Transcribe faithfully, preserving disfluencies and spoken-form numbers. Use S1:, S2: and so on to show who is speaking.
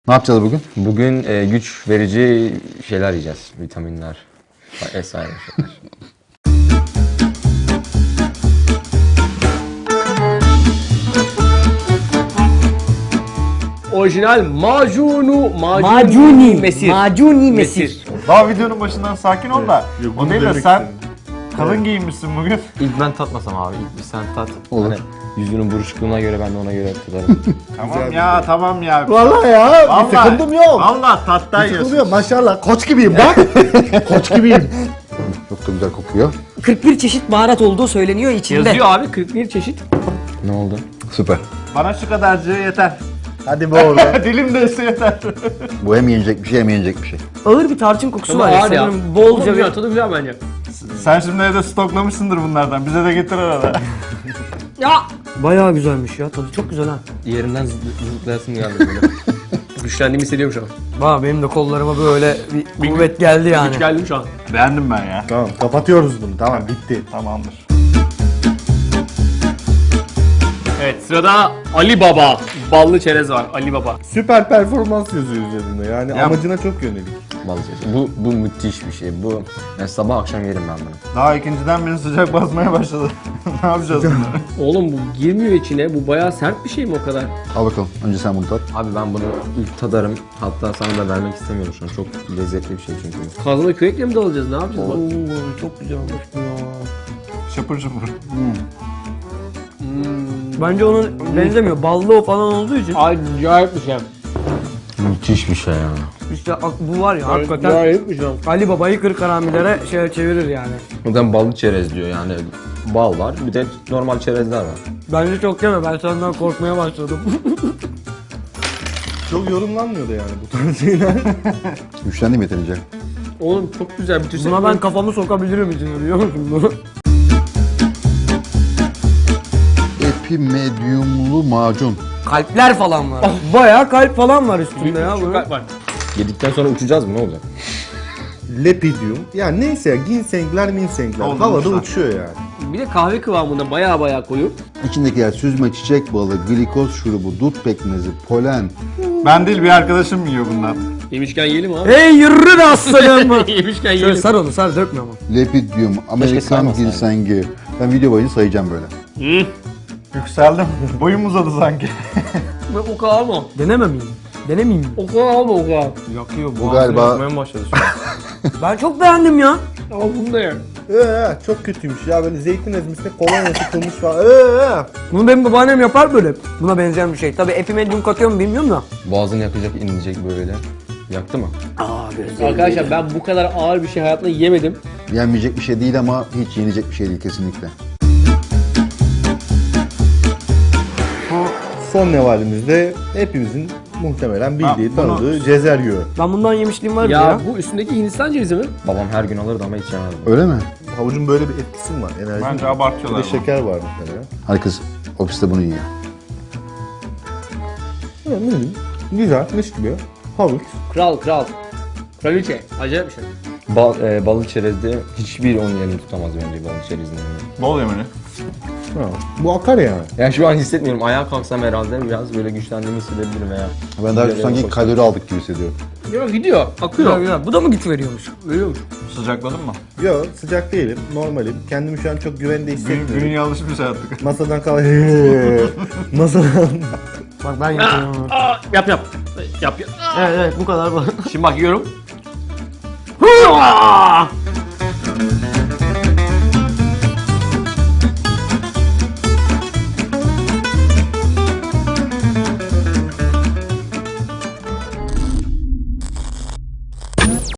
S1: Ne yapacağız bugün?
S2: Bugün e, güç verici şeyler yiyeceğiz. Vitaminler vesaire şeyler.
S3: Orijinal macunu, macuni,
S4: Macuni,
S3: mesir.
S4: macuni mesir.
S5: Daha videonun başından sakin ol da.
S6: Yok,
S5: O
S6: bunu
S5: değil de
S6: demek
S5: sen
S6: istedim.
S5: kalın giyinmişsin bugün.
S2: İlk ben tatmasam abi. İlk bir sen tat.
S1: Olur.
S2: Hani yüzünün buruşukluğuna göre ben de ona göre tutarım.
S5: Tamam ya tamam ya.
S6: Vallahi ya
S5: Vallahi,
S6: bir sıkıntım yok.
S5: Vallahi tattan
S6: Bir sıkıntım
S5: yiyorsun.
S6: yok maşallah. Koç gibiyim bak. Koç gibiyim.
S1: Çok da güzel kokuyor.
S4: kırk bir çeşit baharat olduğu söyleniyor içinde.
S3: Yazıyor abi kırk bir çeşit.
S2: Ne oldu?
S1: Süper.
S5: Bana şu kadarcığı yeter.
S6: Hadi be orada.
S5: Dilim de yeter.
S1: Bu hem yenecek bir şey hem yenecek bir şey.
S4: Ağır bir tarçın kokusu
S3: Ama
S4: var ya
S3: ağır ya.
S4: sanırım
S3: Bolca
S4: bolca
S3: güzel,
S4: bir...
S3: tadı güzel bence.
S5: Sen şimdi evde stoklamışsındır bunlardan. Bize de getir arada.
S4: Ya! Bayağı güzelmiş ya, tadı çok güzel ha.
S2: Yerinden zıpl- zıplayasım geldi böyle.
S3: Güçlendiğimi hissediyorum şu an.
S4: Valla benim de kollarıma böyle bir kuvvet geldi yani.
S3: Güç geldim şu an.
S5: Beğendim ben ya.
S6: Tamam kapatıyoruz bunu. Tamam bitti.
S5: Tamamdır.
S3: Evet sırada Ali Baba. Ballı çerez var Ali Baba.
S6: Süper performans yazıyor üzerinde. Yani
S5: Ya-
S6: amacına çok yönelik.
S2: Balık çeşidi. Bu, bu müthiş bir şey. Bu yani sabah akşam yerim ben bunu.
S5: Daha ikinciden beni sıcak basmaya başladı. Ne yapacağız bunları?
S3: Oğlum bu girmiyor içine. Bu bayağı sert bir şey mi o kadar?
S1: Al bakalım. Önce sen bunu tat.
S2: Abi ben bunu ilk tadarım. Hatta sana da vermek istemiyorum şu an. Çok lezzetli bir şey çünkü.
S3: Kazana kürekle mi dalacağız? Ne yapacağız bak?
S4: Oo, çok güzel olmuş bu ya.
S5: Şapır şapır.
S4: Bence onun benzemiyor. Ballı o falan olduğu için.
S3: Acayip bir şey.
S2: Müthiş bir şey ya.
S4: İşte bu var ya hakikaten
S3: Acayip bir şey.
S4: Ali Baba'yı kırk haramilere şey çevirir yani.
S2: Buradan ballı çerez diyor yani. Bal var. Bir de normal çerezler var.
S4: Bence çok yeme, ben senden korkmaya başladım.
S6: Çok yorumlanmıyordu yani bu tarz şeyler.
S1: Güçlendim yeterince.
S3: Oğlum çok güzel bitirsek.
S4: Buna ben kafamı sokabilirim içine, biliyor musun bunu?
S1: Epimedyumlu macun.
S4: Kalpler falan var. Bayağı kalp falan var üstünde ya
S3: Şu
S4: bu.
S3: kalp var.
S2: Yedikten sonra uçacağız mı? Ne olacak?
S6: Lepidium. Yani neyse ya ginsengler minsengler.
S5: Doldurmuşlar.
S6: Havada uçuyor yani.
S3: Bir de kahve kıvamında bayağı bayağı koyu.
S1: İçindekiler süzme çiçek balı, glikoz şurubu, dut pekmezi, polen.
S5: Ben değil bir arkadaşım yiyor bundan.
S3: Yemişken yiyelim abi.
S4: Hey yürü de aslanım.
S3: Yemişken
S4: Şöyle
S3: yiyelim.
S4: sar onu, sar, dökme ama.
S1: Lepidium, Amerikan
S2: saymasaydın.
S1: ginseng'i. Ben video boyunca sayacağım böyle.
S3: Hı.
S5: Yükseldim. Boyum uzadı sanki.
S3: O kadar alma.
S4: Deneme miyim? Denemeyeyim mi?
S3: O kadar alma o kadar.
S4: Yakıyor
S1: Bu galiba
S2: başladı şu an.
S4: Ben çok beğendim ya.
S3: Al bunu da ye.
S6: Ee, çok kötüymüş ya böyle zeytin ezmesine kolonya sıkılmış falan. Ee,
S4: Bunu benim babaannem yapar böyle. Buna benzeyen bir şey. Tabii epimedyum katıyor mu bilmiyorum da.
S2: Boğazını yakacak, inecek böyle. Yaktı mı?
S3: Arkadaşlar ben bu kadar ağır bir şey hayatımda yemedim.
S1: yenmeyecek bir şey değil ama hiç yenecek bir şey değil kesinlikle.
S6: son nevalimizde hepimizin muhtemelen bildiği,
S5: Ha, bunu-
S6: tanıdığı cezer yağı.
S4: Ben bundan yemişliğim var
S3: Ya,
S4: ya.
S3: bu üstündeki Hindistan cevizi mi?
S2: Babam her gün alırdı ama hiç yemezdi.
S1: Öyle mi?
S6: Havucun böyle bir etkisi mi var? Enerji
S5: Bence
S6: mi var?
S5: abartıyorlar
S6: Bir de
S5: bunu.
S6: şeker var muhtemelen.
S1: Herkes ofiste bunu yiyor.
S6: Evet, hı, güzel, mis gibi. Havuç.
S3: Kral kral. Kraliçe. Acayip bir şey.
S2: Bal, e, balı çerezde hiçbir onun yerini tutamaz bence balı çerezin yerini.
S5: Bol yemeni.
S6: Ha, bu akar yani.
S2: Yani şu an hissetmiyorum. Ayağa kalksam herhalde biraz böyle güçlendiğimi hissedebilirim veya.
S1: Ben daha çok
S2: Güzel
S1: sanki
S2: olmuş.
S1: kalori aldık gibi hissediyorum.
S3: Ya gidiyor. Akıyor.
S4: Güzel güzel. Bu da mı güç veriyormuş?
S3: Veriyormuş.
S5: Sıcakladın mı?
S6: Yok, sıcak değilim, normalim. Kendimi şu an çok güvende
S5: Gün,
S6: hissetmiyorum.
S5: günün alışmış artık.
S6: Masadan kalk. Masadan.
S4: Bak ben yapıyorum.
S3: Aa, yap yap. Yap yap.
S4: Evet evet, bu kadar bu.
S3: Şimdi bak yiyorum.